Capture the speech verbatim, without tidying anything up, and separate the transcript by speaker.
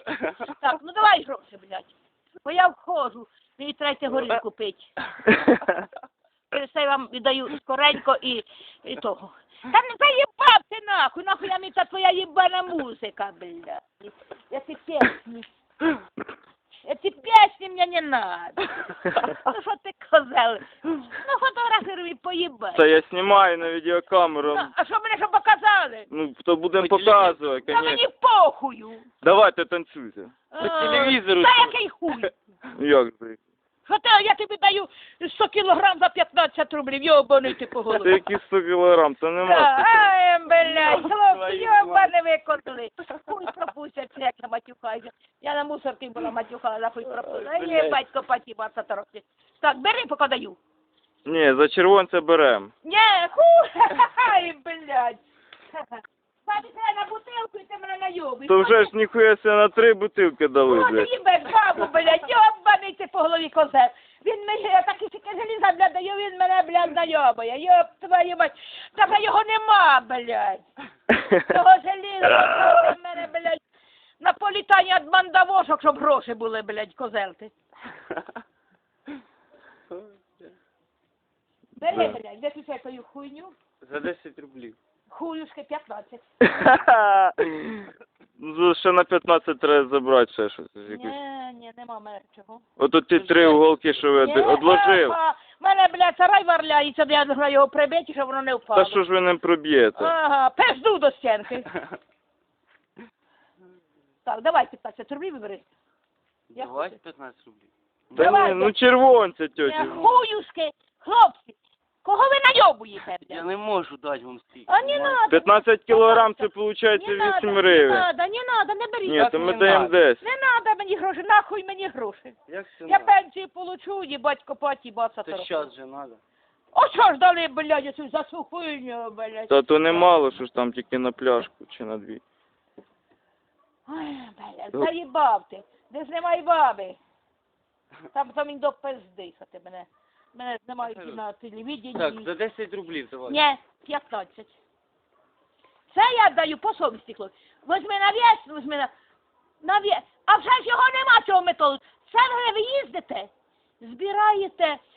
Speaker 1: Так, ну давай гроші, блядь. Бо я входжу, мені треба горілку пити. Через це я вам віддаю скоренько і, і того. Та не заїбав ти нахуй, нахуй я мені та твоя їбана музика, блядь. Я ці пісні. Эти песни мне не надо. Ну що ти козел? Ну фотографируй, поїбай.
Speaker 2: Та я знімаю на відеокамеру.
Speaker 1: Ну, а що мене що показали?
Speaker 2: Ну, то будемо показувати,
Speaker 1: Та мені
Speaker 2: конечно.
Speaker 1: похую.
Speaker 2: Давайте танцюйте.
Speaker 1: По
Speaker 2: телевізору
Speaker 1: Та
Speaker 2: тут.
Speaker 1: який хуй?
Speaker 2: Як же?
Speaker 1: Що ти, я тобі даю сто кілограм за п'ятнадцять рублів, йобаний ти по
Speaker 2: Це
Speaker 1: голові.
Speaker 2: які сто кілограм, це нема.
Speaker 1: Та, Ай, блядь, хлопці,
Speaker 2: Твої
Speaker 1: йобаний викотили. Хуй пропустять, як я матюхаюся. Я на мусорці була матюхала, за хуй пропустила. Ай, є батько патіба, років. Так, бери, поки даю.
Speaker 2: Ні, за червонця берем.
Speaker 1: Не, хуй, ай, блядь. Папі, треба на бутилку і ти мене найобиш.
Speaker 2: То вже ж ніхуя себе на три бутилки дали,
Speaker 1: Ну, ти
Speaker 2: блядь.
Speaker 1: їбеш бабу, блядь, йобаний ти по голові козел. Він мені, я так і тільки желіза, блядь, даю, він мене, блядь, знайомує. Йоб твою мать. Та його нема, блядь. Того желіза, в мене, блядь, на політання від мандавошок, щоб гроші були, блядь, козел ти. Бери, блядь, виключай твою хуйню.
Speaker 3: За десять рублів.
Speaker 1: Хуюшки п'ятнадцять.
Speaker 2: Ну, ще на п'ятнадцять треба забрати ще щось. якусь.
Speaker 1: Ні, ні, нема мене чого.
Speaker 2: Ото ті три уголки, що ви
Speaker 1: Ні,
Speaker 2: одложив.
Speaker 1: епа, мене, блядь, сарай варляється, я должна його прибити, щоб воно не впало.
Speaker 2: Та що ж ви не проб'єте?
Speaker 1: Ага, пизду до стінки. Так, давай п'ятнадцять рублів вибери. Я
Speaker 3: Давай
Speaker 1: хочу.
Speaker 3: п'ятнадцять рублів.
Speaker 2: Та
Speaker 1: давай,
Speaker 2: ні, ну червонця,
Speaker 1: Е,
Speaker 2: тьоті.
Speaker 1: Хуюшки, хлопці, кого ви найобуєте,
Speaker 3: Я
Speaker 1: блядь?
Speaker 3: не можу дати вам стільки.
Speaker 1: А не надо.
Speaker 2: п'ятнадцять кілограм, це виходить
Speaker 1: Не надо,
Speaker 2: вісім
Speaker 1: не
Speaker 2: гривень.
Speaker 1: надо, не надо, не беріть.
Speaker 2: Ні,
Speaker 3: Так
Speaker 2: то ми
Speaker 3: не
Speaker 2: даємо
Speaker 3: надо.
Speaker 2: десять.
Speaker 1: Не надо мені гроші, нахуй мені гроші.
Speaker 3: Як це
Speaker 1: Я
Speaker 3: надо?
Speaker 1: пенсію получу, їбать, копать, їбаться.
Speaker 3: Це щас же надо.
Speaker 1: О, що ж дали, блядь, оцю за цю хуйню, блядь.
Speaker 2: Та то немало, що ж там тільки на пляшку чи на дві.
Speaker 1: Ой, блядь, заїбав ти. Де знімай баби. Там там він до пизди, що ти мене. Мене знімають і на телевіденні.
Speaker 3: Так, за десять рублів давай.
Speaker 1: Ні, п'ятнадцять. Це я даю по совісті, хлопці. Возьми на вес, возьми на... на вес. А вже ж його нема, цього методу. Це ви їздите, збираєте